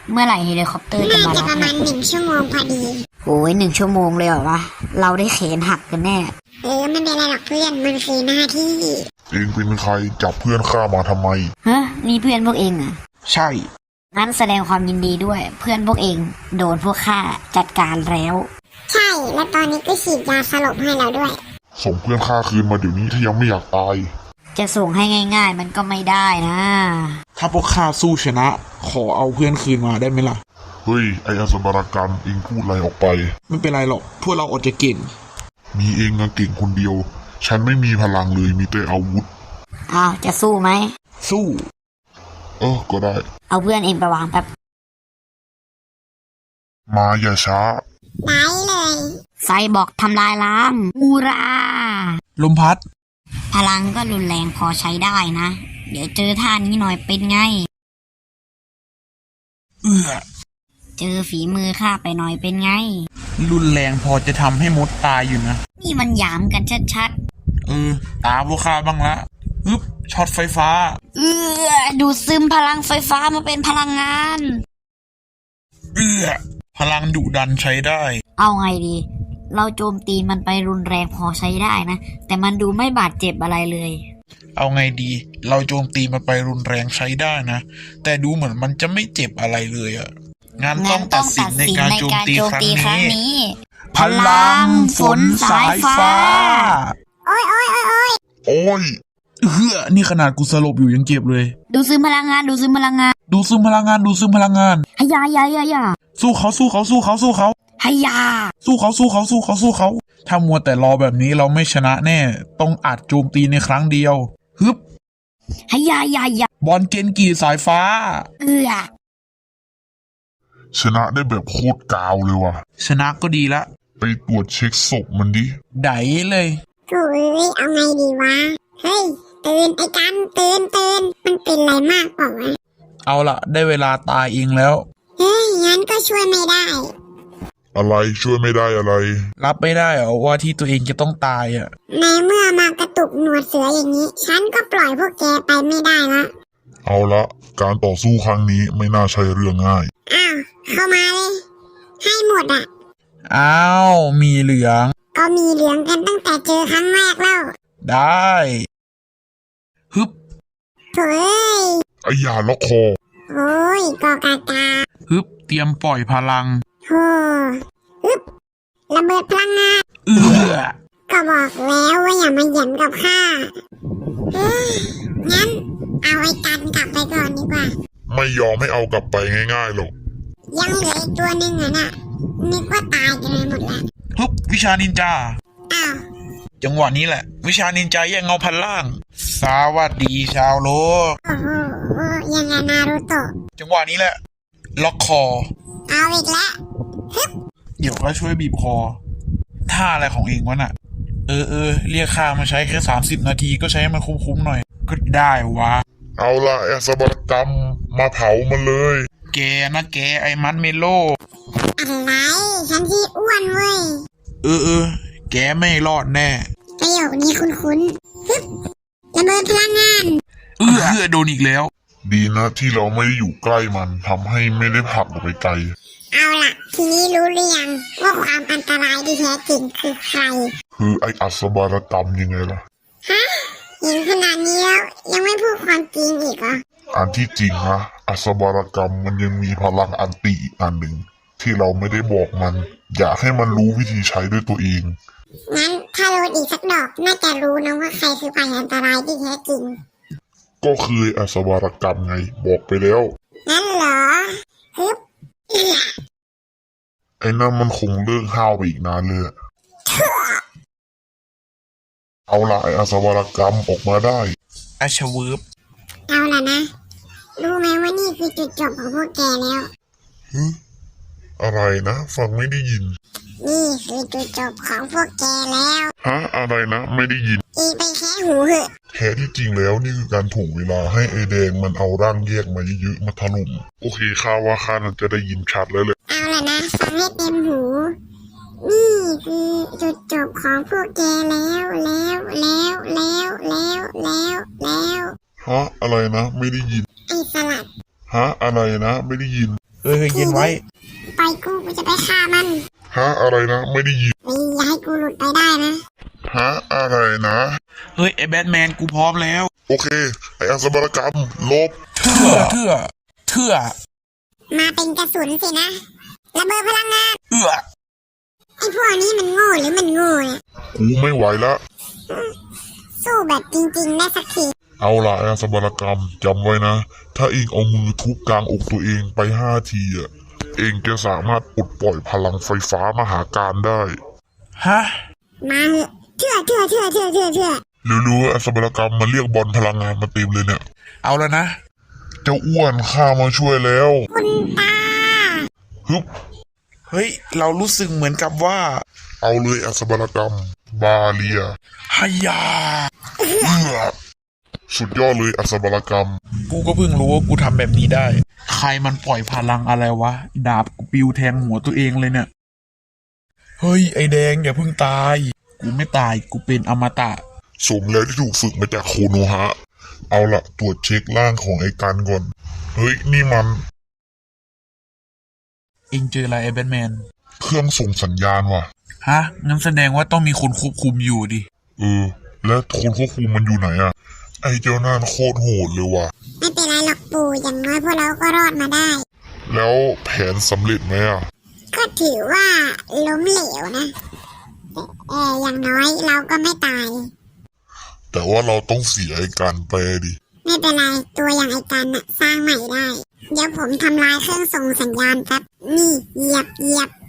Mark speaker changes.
Speaker 1: เมื่อไหร่เฮลิคอปเตอร์จะ
Speaker 2: น่า
Speaker 1: มา
Speaker 2: จะ
Speaker 1: รับ
Speaker 2: ประมาณ1 ชั่วโมงพอดี
Speaker 1: โอ้ย1 ชั่วโมงเลยเหรอวะเราได้เขนหักกันแน่
Speaker 2: ไม่เป็นไรหรอกเพื่อนมันคือหน้าที่
Speaker 3: เองเป็นใครจับเพื่อนข้ามาทำไม
Speaker 1: ฮะนี่เพื่อนพวกเองเหรอ
Speaker 4: ใช่
Speaker 1: งั้นแสดงความยินดีด้วย เพื่อนพวกเองโดนพวกข้าจัดการแล้ว
Speaker 2: ใช่และตอนนี้ก็ฉีดยาสลบให้เราด้วย
Speaker 3: ส่งเพื่อนข้าคืนมาเดี๋ยวนี้ถ้ายังไม่อยากตาย
Speaker 1: จะส่งให้ง่าย ๆ มันก็ไม่ได้นะ
Speaker 4: ถ้าพวกข้าสู้ชนะ ขอเอาเพื่อนคืนมาได้ไหมล่ะ
Speaker 3: เฮ้ยไอ้อสบารกันเองพูดอะไรออกไป
Speaker 4: ไม่เป็นไรหรอกพวกเราอดจะเก่ง
Speaker 3: มีเองเก่งคนเดียว ฉันไม่มีพลังเลยมีแต่อาวุธ
Speaker 1: อ้าวจะสู้ไหม
Speaker 4: สู้
Speaker 3: ก็ได้
Speaker 1: เอาเพื่อนเองไปวางแป๊บ
Speaker 3: มาอย่าช้า
Speaker 2: ได้เลย
Speaker 1: ไซบอกทำลายล้างอูรา
Speaker 4: ลมพัด
Speaker 1: พลังก็รุนแรงพอใช้ได้นะ เดี๋ยวเจอท่านี้หน่อยเป็นไง
Speaker 4: เอื้อ
Speaker 1: เจอฝีมือข้าไปหน่อยเป็นไง
Speaker 4: รุนแรงพอจะทำให้มดตายอยู่นะ
Speaker 1: นี่มันหยามกันชัด
Speaker 4: ตาพวกข้าบ้างละอึ๊บช็อตไฟฟ้า
Speaker 1: ดูดซึมพลังไฟฟ้ามาเป็นพลังงาน
Speaker 4: พลังดุดันใช้ได้
Speaker 1: เอาไงดี เราโจมตีมันไปรุนแรงพอใช้ได้นะ แต่มันดูไม่บาดเจ็บอะไรเลย
Speaker 4: เอาไงดี เราโจมตีมันไปรุนแรงใช้ได้นะ แต่ดูเหมือนมันจะไม่เจ็บอะไรเลยอะงั้นต้องตัดสินในการโจมตีครั้งนี้ พลังฝนสายฟ้า
Speaker 2: โอ้ย
Speaker 3: โอ้ย
Speaker 4: นี่ขนาดกูสลบอยู่ยังเจ็บเลย
Speaker 1: ดูดซึมพลังงาน ดูดซึมพลังงาน
Speaker 4: ดูซึมพลังงาน ดูซึมพลังงาน
Speaker 1: ฮยายา
Speaker 4: สู้เขาสู้เขาสู้เขาสู้เขา
Speaker 1: ฮยา
Speaker 4: สู้เขาสู้เขาสู้เขาสู้เขา ถ้ามัวแต่รอแบบนี้เราไม่ชนะแน่ ต้องอัดโจมตีในครั้งเดียว ฮึบ
Speaker 1: ฮยายา
Speaker 4: บอลเกนกีสายฟ้า
Speaker 3: ชนะได้แบบโคตรกาวเลยว่ะ
Speaker 4: ชนะก็ดีละ
Speaker 3: ไปตรวจเช็คศพมันดิ
Speaker 4: ไดเลย
Speaker 2: โถ่เอาไงดีวะ เฮ้ยตื่นไอ้กันตื่นมันเป็นไรมากเปล่าวะ
Speaker 4: เอาละได้เวลาตายเองแล้ว
Speaker 2: เฮ้ยงั้นก็ช่วยไม่ได้
Speaker 3: อะไรช่วยไม่ได้อะไร
Speaker 4: รับไม่ได้เหรอว่าที่ตัวเองจะต้องตายอ่ะ
Speaker 2: ในเมื่อมากระตุกหนวดเสืออย่างนี้ ฉันก็ปล่อยพวกแกไปไม่ได้ละ
Speaker 3: เอาละการต่อสู้ครั้งนี้ไม่น่าใช่เรื่องง่าย
Speaker 2: อ้าวเข้ามาเลย ให้หมดอ่ะ
Speaker 4: อ้าวมีเหลือง
Speaker 2: ก็มีเหลืองกันตั้งแต่เจอครั้งแรกแล้ว
Speaker 4: ได้ฮึบ
Speaker 2: โถ่เอ้ย
Speaker 3: ไอ้ยาล็อกคอ
Speaker 2: โอ้ยกอกากา
Speaker 4: ฮึบเตรียมปล่อยพลัง
Speaker 2: โธ่อึบระเบิดพลังงาน
Speaker 4: เอื้อ
Speaker 2: ก็บอกแล้วว่าอย่ามาเหยียบกับข้าเฮ้ยงั้นเอาไอ้กันกลับไปก่อนดีกว่า
Speaker 3: ไม่ยอมไม่เอากลับไปง่ายๆหรอก
Speaker 2: ยังเหลืออีกตัวหนึ่งอ่ะน่ะนึกว่าตายกันไปหมดแล้ว
Speaker 4: ฮึบวิชานินจา
Speaker 2: อ้าว
Speaker 4: จังหวะนี้แหละ วิชานินจาแยกเงาพันล่าง สวัสดีชาวโลก
Speaker 2: โอ้โหยังไงนารูโตะ
Speaker 4: จังหวะนี้แหละ ล็อกคอ
Speaker 2: เอาอีกแล้ว
Speaker 4: เดี๋ยวก็ช่วยบีบคอ ท่าอะไรของเองวะน่ะ เรียกข้ามาใช้แค่30 นาทีก็ใช้ให้มันคุ้มๆหน่อย ก็ได้วะ
Speaker 3: เอาละไอ้อสบารกรรมมาเผามันเลย
Speaker 4: แกนะแกไอ้มัดเมโล
Speaker 2: อะไรฉันที่อ้วนเว้ย
Speaker 4: แกไม่รอดแน่
Speaker 2: ประโยคนี้คุ้นๆฮึบระเบิดพลังงาน
Speaker 4: โดนอีกแล้ว
Speaker 3: ดีนะที่เราไม่ได้อยู่ใกล้มันทำให้ไม่ได้ผลักออกไปไกล
Speaker 2: เอาล่ะ ทีนี้รู้หรือยังว่าความอันตรายที่แท้จริงคือใคร
Speaker 3: คือไอ้อสบารกรรมยังไงล่ะ
Speaker 2: ฮะเห็นขนาดนี้แล้วยังไม่พูดความจริงอีกเหรอ
Speaker 3: อันที่จริงนะอสบารกรรมมันยังมีพลังอันติอีกอันหนึ่งที่เราไม่ได้บอกมัน อยากให้มันรู้วิธีใช้ด้วยตัวเอง
Speaker 2: งั้นถ้าโดนอีกสักดอกน่าจะรู้นะว่าใครคือภัยอันตรายที่แท้จริง
Speaker 3: ก็คืออสบารกรรมไงบอกไปแล้ว
Speaker 2: งั้นเหรอฮึบ
Speaker 3: ไอ้นั่นมันคงเลิกห้าวไปอีกนานเลยอะเอาละไอ้อสบารกรรมออกมาได้
Speaker 4: อาชวืบ
Speaker 2: เอาล่ะนะ รู้ไหมว่านี่คือจุดจบของพวกแกแล้ว
Speaker 3: อะไรนะฟังไม่ได้ยิน
Speaker 2: นี่คือจุดจบของพวกแกแล้ว
Speaker 3: ฮะอะไรนะไม่ได้ยิน
Speaker 2: อีไปแค่หูเหอะ
Speaker 3: แท้ที่จริงแล้วนี่คือการถ่วงเวลาให้ไอแดงมันเอาร่างแยกมาเยอะๆมาถล่มโอเคข้าว่าข้าน่าจะได้ยินชัดแล้วเลย
Speaker 2: เอาล่ะนะฟังให้เต็มหู นี่คือจุดจบของพวกแกแล้ว
Speaker 3: ฮะอะไรนะไม่ได้ยิน
Speaker 2: ไอ้สลัด
Speaker 3: ฮะอะไรนะไม่ได้ยิน
Speaker 2: ส
Speaker 4: เฮ้ยเย็นไว้
Speaker 2: ปล่อยกูจะไปฆ่ามัน
Speaker 3: ฮะอะไรนะ ไม่ได้ยิน
Speaker 2: อย่าให้กูหลุดไปได้นะ
Speaker 3: ฮะอะไรนะ
Speaker 4: เฮ้ยไอ้แบทแมนกูพร้อมแล้ว
Speaker 3: โอเค ไออัศบรกรรมลบ
Speaker 4: เถื่อ
Speaker 2: มาเป็นกระสุนสินะระเบิดพลังงาน
Speaker 4: เอื้อ
Speaker 2: ไอ้พวกนี้มันโง่หรือมันโง่เนี่ย
Speaker 3: กูไม่ไหวละ
Speaker 2: สู้แบบจริงๆได้สักที
Speaker 3: เอาล่ะไออัศบรกรรมจำไว้นะ ถ้าเองเอามือทุบกลางอกตัวเองไป5 ทีอ่ะ เองจะสามารถปลดปล่อยพลังไฟฟ้ามหาการได้
Speaker 4: ฮะ
Speaker 2: มาเหอะเชื่อ
Speaker 3: รู้ๆอัศบรกรรมมาเรียกบอลพลังงานมาเต็มเลยเนี่ย
Speaker 4: เอาแล้วนะ
Speaker 3: เจ้าอ้วนข้ามาช่วยแล้ว
Speaker 2: คุณตา
Speaker 3: ฮึบ
Speaker 4: เฮ้ยเรารู้สึกเหมือนกับว่า
Speaker 3: เอาเลยอัศบรกรรม บาเลีย
Speaker 4: ฮายา
Speaker 3: สุดยอดเลยอัศบรกรรม
Speaker 4: กูก็เพิ่งรู้ว่ากูทำแบบนี้ได้ ใครมันปล่อยพลังอะไรวะ ดาบกูปิวแทงหัวตัวเองเลยเนี่ย เฮ้ยไอแดงอย่าเพิ่งตาย กูไม่ตายกูเป็นอมตะ
Speaker 3: สมแล้วที่ถูกฝึกมาจากโคโนฮะ เอาละตรวจเช็คร่างของไอ้กันก่อน เฮ้ย นี่มัน
Speaker 4: เองเจออะไรไอแบทแมน
Speaker 3: เครื่องส่งสัญญาณว่ะ
Speaker 4: ฮะ งั้นแสดงว่าต้องมีคนควบคุมอยู่ดิ
Speaker 3: แล้วคนควบคุมมันอยู่ไหนอะไอ้เจ้านั่นโคตรโหดเลยว่ะ
Speaker 2: ไม่เป็นไรหรอกปู่อย่างน้อยพวกเราก็รอดมาได้
Speaker 3: แล้วแผนสำเร็จไหมอะ
Speaker 2: ก็ถือว่าล้มเหลวนะแต่อย่างน้อยเราก็ไม่ตาย
Speaker 3: แต่ว่าเราต้องเสียไอ้กันไปดิ
Speaker 2: ไม่เป็นไรตัวอย่างไอ้กันน่ะสร้างใหม่ได้ เดี๋ยวผมทำลายเครื่องส่งสัญญาณแป๊บนี่เหยียบ